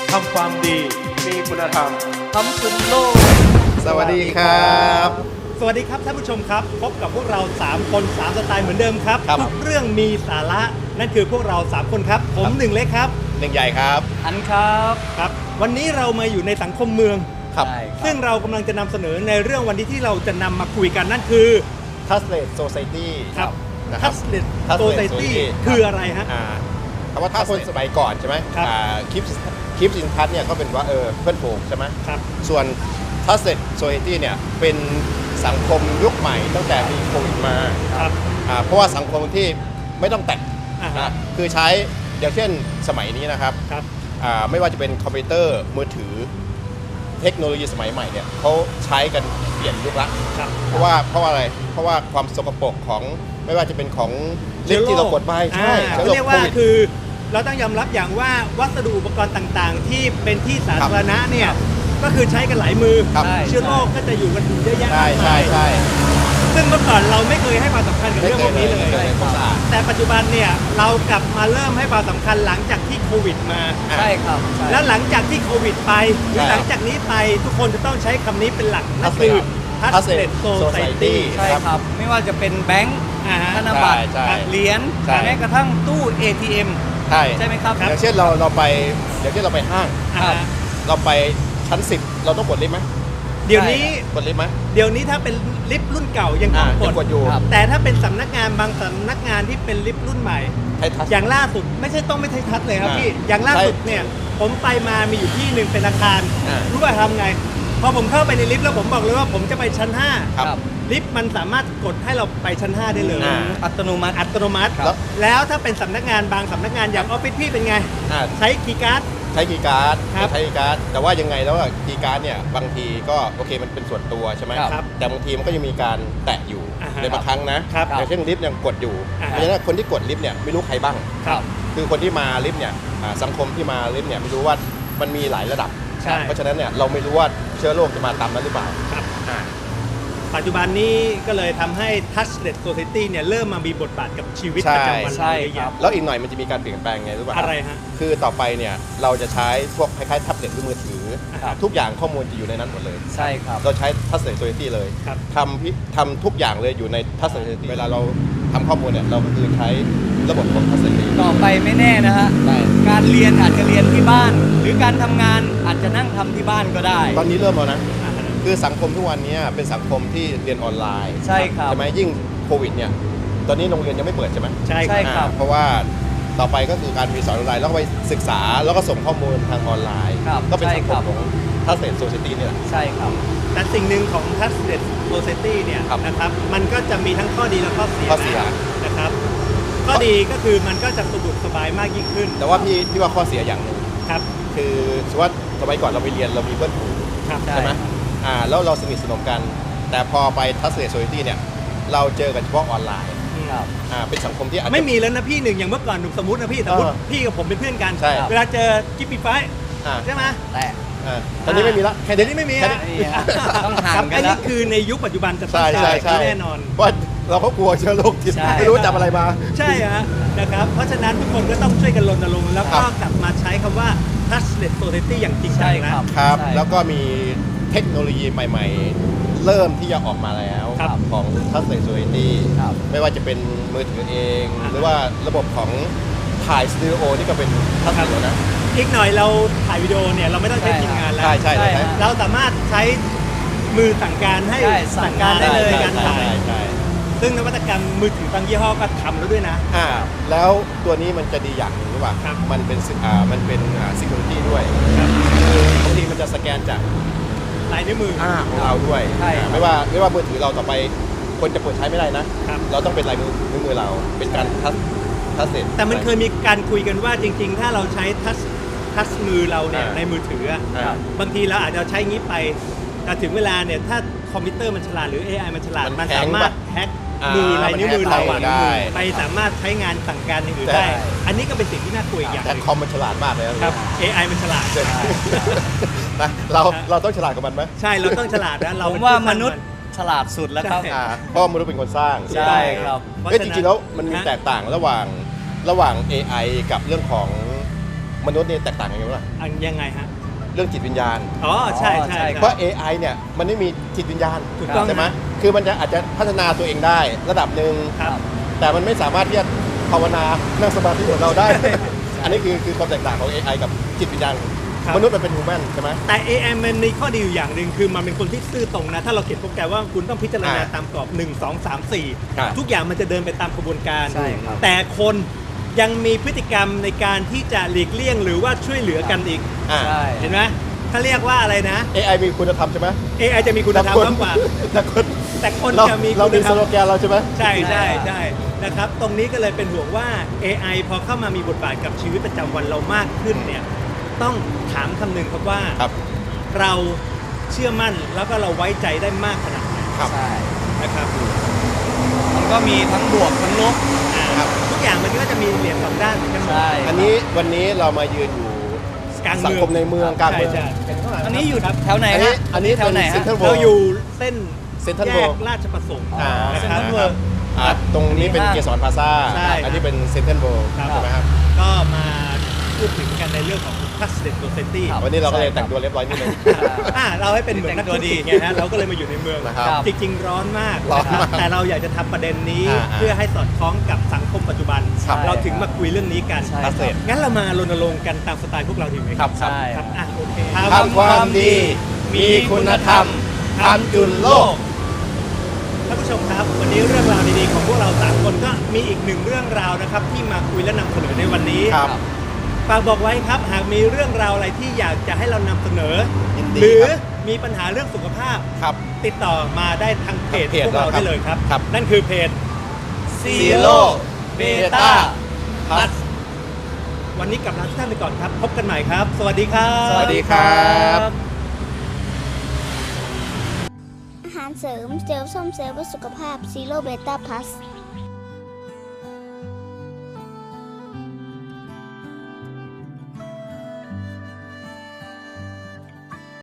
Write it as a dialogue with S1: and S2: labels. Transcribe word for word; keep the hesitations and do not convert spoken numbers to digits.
S1: ทำความดีมีคุณธรรมทำคุณโลก
S2: สวัสดีครับ
S3: สวัสดีครับท่านผู้ชมครับพบกับพวกเราสามคนสามสไตล์เหมือนเดิมครับทุกเรื่องมีสาระนั่นคือพวกเราสามคนครับผมหนึ่งเล็กครับ
S2: หนึ่งใหญ่ครับ
S4: อันครับ
S3: ครับวันนี้เรามาอยู่ในสังคมเมือง
S2: ครับ
S3: ซึ่งเรากำลังจะนำเสนอในเรื่องวันนี้ที่เราจะนำมาคุยกันนั่นคือ
S2: Touchless Society
S3: ครับ Touchless Society คืออะไรฮะ
S2: คำว่าถ้าคนสมัยก่อนใช่ไหมคลิปคลิปสินทัศน์เนี่ยก็เป็นว่าเออเพื่อนฝูงใช่ไหม
S3: ครับ
S2: ส่วน Touchless Society เนี่ยเป็นสังคมยุคใหม่ตั้งแต่มีโควิดมา
S3: ครับ
S2: เพราะว่าสังคมที่ไม่ต้องแตะคือใช้อย่างเช่นสมัยนี้นะครับ
S3: ครับ
S2: ไม่ว่าจะเป็นคอมพิวเตอร์มือถือเทคโนโลยีสมัยใหม่เนี่ยเขาใช้กันเปลี่ยนยุคละเพราะว่าเพราะว่าอะไรเพราะว่าความสกปรกของไม่ว่าจะเป็นของลิฟที่เรากดไปใช่
S3: เรียกว่าคือเราต้องยอมรับอย่างว่าวัสดุอุปกรณ์ต่างๆที่เป็นที่สาธารณะเนี่ยก็คือใช้กันหลายมือเชื้อโรคก็จะอยู่กันเยอะแยะมากมายซึ่งเมื่อก่อนเราไม่เคยให้ความสำคัญกับเรื่องพวกนี้เลยแต่ปัจจุบันเนี่ยเรากลับมาเริ่มให้ความสำคัญหลังจากที่โควิดมา
S4: ใช่ครับ
S3: แล้วหลังจากที่โควิดไปหรือหลังจากนี้ไปทุกคนจะต้องใช้คำนี้เป็นหลักนั่นคือ Touchless Society
S4: ใช่ครับไม่ว่าจะเป็นแบงก์ธนบัตรเหรียญแม้กระทั่งตู้ เอ ที เอ็ม
S2: ใช่
S4: ใช่ไหมครับ
S2: อย่างเช่นเราเราไปอย่างเช่นเราไปห้างเราไปชั้นสิบเราต้องกดลิฟต์ไหม
S3: เดี๋ยวนี้
S2: กดลิฟต์ไหม
S3: เดี๋ยวนี้ถ้าเป็นลิฟต์รุ่นเก่ายังต้องกด
S2: อยู่
S3: แต่ถ้าเป็นสำนักงานบางสำนักงานที่เป็นลิฟต์รุ่นใหม่อย่างล่าสุดไม่ใช่ต้องไม่ใช่ทัชเลยครับพี่อย่างล่าสุดเนี่ยผมไปมามีอยู่ที่หนึ่งเป็นอาคารรู้ว่าทำไงพอผมเข้าไปในลิฟต์แล้วผมบอกเลยว่าผมจะไปชั้นห้าลิฟต์มันสามารถกดให้เราไปชั้นห้าได้เลย
S4: อัตโนมัติ
S3: อัตโนมัติแล้วถ้าเป็นสำนักงานบางสำนักงานอย่างออฟฟิศพี่เป็นไงใช้คีย์การ์ด
S2: ใช้คีย์การ์ดใช้คีย์การ์ดแต่ว่ายังไงแล้วคีย์การ์ดเนี่ยบางทีก็โอเคมันเป็นส่วนตัวใช่ไหมแต่บางทีมันก็ยังมีการแตะอยู่ในบางครั้งนะอย่างเช่นลิฟต์ยังกดอยู่เพราะฉะนั้นคนที่กดลิฟต์เนี่ยไม่รู้ใครบ้างคือคนที่มาลิฟต์เนี่ยสังคมที่มาลิฟต์เนี่ยไม่รู้ว่ามันมีหลายระดับเพราะฉะนั้นเนี่ยเราไม่รู้ว่าเชื้อโรคจะมาตามนั้นหรือเปล่า
S3: ปัจจุบันนี้ก็เลยทำให้ Touchless Society เนี่ยเริ่มมามีบทบาทกับชีวิตประจำวันเราเยอะ
S2: แล้วอีกหน่อยมันจะมีการเปลี่ยนแปลงไงรู้ป่ะ
S3: อะไรฮะ
S2: คือต่อไปเนี่ยเราจะใช้พวกคล้ายๆแท็บเล็ตหรือมือถือทุกอย่างข้อมูลจะอยู่ในนั้นหมดเลย
S4: ใช่ครับ
S2: เราใช้ Touchless Society เลยทำทำทุกอย่างเลยอยู่ใน Touchless Society เวลาเราทำข้อมูลเนี่ยเราก็คือใช้ระบบของ Touchless Society
S4: ต่อไปไม่แน่นะฮะการเรียนอาจจะเรียนที่บ้านหรือการทำงานอาจจะนั่งทำที่บ้านก็ได้
S2: ตอนนี้เริ่มแล้วนะคือสังคมทุกวันนี้เป็นสังคมที่เรียนออนไลน์
S4: ใช่ครับ
S2: ใช่ไหมยิ่งโควิดเนี่ยตอนนี้โรงเรียนยังไม่เปิดใช่ไหม
S3: ใช่
S4: ครับ
S2: เพราะว่าต่อไปก็คือการมีสอนออนไลน์แล้วก็ไปศึกษาแล้วก็ส่งข้อมูลทางออนไลน์ก็เป็นสังคมของ Touchless Society นี่แหละ
S4: ใช่ครับ
S3: แต่สิ่งหนึ่งของ Touchless Society เนี่ยนะครับมันก็จะมีทั้งข้อดีและข้อเสีย
S2: ข้อเสีย
S3: นะครับข้อดีก็คือมันก็จะสะดวกสบายมากยิ่งขึ้น
S2: แต่ว่าพี่พี่ว่าข้อเสียอย่างหนึ่ง
S3: ครับ
S2: คือสมมติว่าสมัยก่อนเราไปเรียนเรามีเพื่อนฝูงใช่ไหมอ่าแล้วเราสนิทสนมกันแต่พอไป Touchless Society เนี่ยเราเจอกันเฉพาะออนไลน์อ่าเป็นสังคมที่
S3: ไม่มีแล้วนะพี่หนึ่งอย่างเมื่อก่อนสมมตินะพี่สมมติพี่กับผมเป็นเพื่อนกันเวลาเจอกิ๊บปี้ไฟใช่ไหม
S4: แต่
S2: ตอนนี้ไม่มีละ
S3: แค่เดี๋ยวนี้ไม่มีแล้ว
S4: ต้องห่างกัน
S3: อันนี้คือในยุคปัจจุบันจะต้องใช่แน่นอน
S2: เพราะเราก็กลัวเชื้อโรคที่ไม่รู้จับอะไรมา
S3: ใช่ฮะนะครับเพราะฉะนั้นทุกคนก็ต้องช่วยกันรณรงค์แล้วก็กลับมาใช้คำว่า Touchless Society อย่างจริงจัง
S2: นะครับแล้วก็มีเทคโนโลยีใหม่ๆเริ่มที่จะออกมาแล้วของ Touchless Society ไม่ว่าจะเป็นมือถือเองหรือว่าระบบของถ่ายสตูดิโอนี่ก็เป็น Touchless นะ
S3: อีกหน่อยเราถ่ายวิดีโอเนี่ยเราไม่ต้องใช้ทีมงานแล้ว
S2: ใช่ใช่
S3: เราสามารถใช้มือสั่งการให้สั่งการได้เลยการถ่ายซึ่งนวัตกรรมมือถือบางยี่ห้อก็ทำแล้วด้วยนะ
S2: อ่าแล้วตัวนี้มันจะดีอย่างหนึ่งหรือเปล่ามันเป็นอ่ามันเป็นอ่า security ด้วยคือบางทีมันจะสแกนจาก
S3: ลายนิ้วมือ
S2: ของเราด้วยไม่ว่าไม่ว่ามือถือเราต่อไปคนจะเปิดใช้ไม่ได้นะเราต้องเป็นลายมือนิ้วมือเราเป็นการทัชทัชเสร็จ
S3: แต่มันเคยมีการคุยกันว่าจริงๆถ้าเราใช้ทัชทัชมือเราเนี่ยในมือถือบางทีเราอาจจะใช้งี้ไปแต่ถึงเวลาเนี่ยถ้าคอมพิวเตอร์มันฉลาดหรือ เอ ไอ มันฉลาดมันสามารถแฮ็กมือลายนิ้วมือเราไปสามารถใช้งานสั่งการอย่างอื่นได้อันนี้ก็เป็นสิ่งที่น่ากลัวอย่าง
S2: แต่คอมมันฉลาดมากเลย
S3: ครับ เอ ไอ มันฉลาด
S2: นะเราเราต้องฉลาดกับมันไหม
S3: ใช่เราต้องฉลาดนะเรา
S4: ว่ามนุษย์ฉลาดสุดแล้วครับ
S2: เพราะมนุษย์เป็นคนสร้าง
S4: ใช่ครับ
S2: จริงๆแล้วมันมีแตกต่างระหว่างระหว่าง เอ ไอ กับเรื่องของมนุษย์เนี่ยแตกต่างกันยังไงวะ
S3: อันยังไงฮะ
S2: เรื่องจิตวิญญาณ
S3: อ๋อใช่ใช่
S4: ใช่
S3: ค
S2: เพ
S3: รับ
S2: ราะ เอ ไอ เนี่ยมันไม่มีจิตวิญญาณ
S3: ถูกต้อง
S2: ใช่ไหม
S3: นะ
S2: คือมันจะอาจจะพัฒนาตัวเองได้ระดับหนึ่ง
S3: ครับ
S2: แต่มันไม่สามารถที่จะภาวนานั่งสมาธิเหมือนเราได้ อันนี้คือคือความแตกต่างของ เอ ไอ กับจิตวิญญาณ
S3: ครับ
S2: มนุษย์มันเป็นฮูแมนใช่ไหม
S3: แต่ เอ ไอ มันมีข้อดีอยู่อย่างหนึ่งคือมันเป็นคนที่ซื่อตรงนะ ถ้าเราเขียนโปรแกรมว่าคุณต้องพิจารณา
S2: อ่า
S3: ตามกรอบหนึ่ง สอง สาม สี่
S2: ครับ
S3: ทุกอย่างมันจะเดินไปตามกระบวนการ
S4: ใช่ครับ
S3: แต่คนยังมีพฤติกรรมในการที่จะหลีกเลี่ยงหรือว่าช่วยเหลือกันอีก
S2: อ่า
S4: ใช่
S3: เห็นไหมเขาเรียกว่าอะไรนะ
S2: เอ ไอ มีคุณธรรมใช่ไหม
S3: เอ ไอ จะมีคุณธรรมมากกว่า
S2: แต่คน
S3: แต่คน
S2: เรา
S3: จะมี
S2: เรา
S3: คุ
S2: มี
S3: ณธร
S2: ส
S3: รม
S2: โลแกนเราใช่ไหม
S3: ใช่ใช่
S4: ใช่
S3: ใช่นะครับ ตรงนี้ก็เลยเป็นห่วงว่า เอ ไอ พอเข้ามามีบทบาทกับชีวิตประจำวันเรามากขึ้นเนี่ยต้องถามคำหนึ่งครับว่า
S2: ครับ
S3: เราเชื่อมั่นแล้วก็เราไว้ใจได้มากขนาดไหน
S2: ครับ
S4: ใช่
S3: นะครับ
S4: มันก็มีทั้งบวกทั้งลบ
S3: อ่า
S2: ครับ
S3: ทุกอย่างมันก็จะมีเหรียญสองด้านเหมือนกันหมด
S4: ใช่
S2: อันนี้วันนี้เรามายืนอยู่
S3: กลาง
S2: สัง
S3: เมือง
S2: คมในเมืองกลางเมือง
S3: ใช่ใช่
S2: เห็นข้างหลัง
S4: อันนี้อยู่
S3: ครับ
S4: แถวไหน
S2: อันนี้
S4: ฮะ
S2: อันนี้
S4: แถวไหน
S2: เป็น
S4: ฮะ
S2: Central
S3: เราอยู่เส้น
S2: Central
S3: แยก
S2: World
S3: ราชประสงค์
S2: อ่า
S3: นะครับ
S4: Central World
S2: อ่าตรงนี้เป็น
S4: ห้าง
S2: เกสรพลาซ่า
S3: ใช่
S2: อันนี้เป็นเซ็นทรัลเวิลด์
S3: ครับ
S2: ใช่ไหมครับ
S3: ก็มาพูดถึงกันในเรื่องของ Sustainability
S4: ครับ
S2: วันนี้เราก็เลย
S4: ใช่ครับ
S2: แต่งตัวเรียบร้อยนิดนึง
S3: อ่าเราให้เป็นเหมือนนักธุรกิจไงฮะเราก็เลยมาอยู่ในเมือง
S2: นะครับ
S3: จริงๆร้อนมาก
S2: ร้อนมาก
S3: แต่เราอยากจะทำประเด็นนี้
S2: อ่าๆ
S3: เพื่อให้สอดคล้องกับสังคมปัจจุบัน
S2: ครับ
S3: เราถึงมาคุยเรื่องนี้กัน
S4: ใช่
S2: เกษตร
S3: งั้นเรามารณรงค์กันตามสไตล์พวกเราดีไหม
S2: ครับ
S4: ใช่
S3: ครับอ่ะโอเค
S2: ทำความดีมีคุณธรรมทำจุนโลก
S3: ท่านผู้ชมครับ วันนี้เรื่องราวดีๆของพวกเราสามคนก็มีอีกหนึ่งเรื่องราวนะครับ ที่มาคุยและนำเสนอในวันนี้
S2: ครับ
S3: ฝากบอกไว้ครับ หากมีเรื่องราวอะไรที่อยากจะให้เรานำเสนอ
S2: ยินดี
S3: หรือ
S2: ครับ
S3: มีปัญหาเรื่องสุขภาพ
S2: ครับ
S3: ติดต่อมาได้ทางเพจ
S2: ทางเพจ
S3: พวกเรา
S2: เราครับ
S3: ได้เลยครับ
S2: ครับ
S3: นั่นคือเพจ
S2: Zero Beta Plus
S3: วันนี้กลับลาทุกท่านไปก่อนครับ พบกันใหม่ครับ สวัสดีครับ
S2: สวัสดีครับ
S5: อาหารเสริมเซลล์ส้มเซลล์เพื่อสุขภาพซีโร่เบต้าพลัส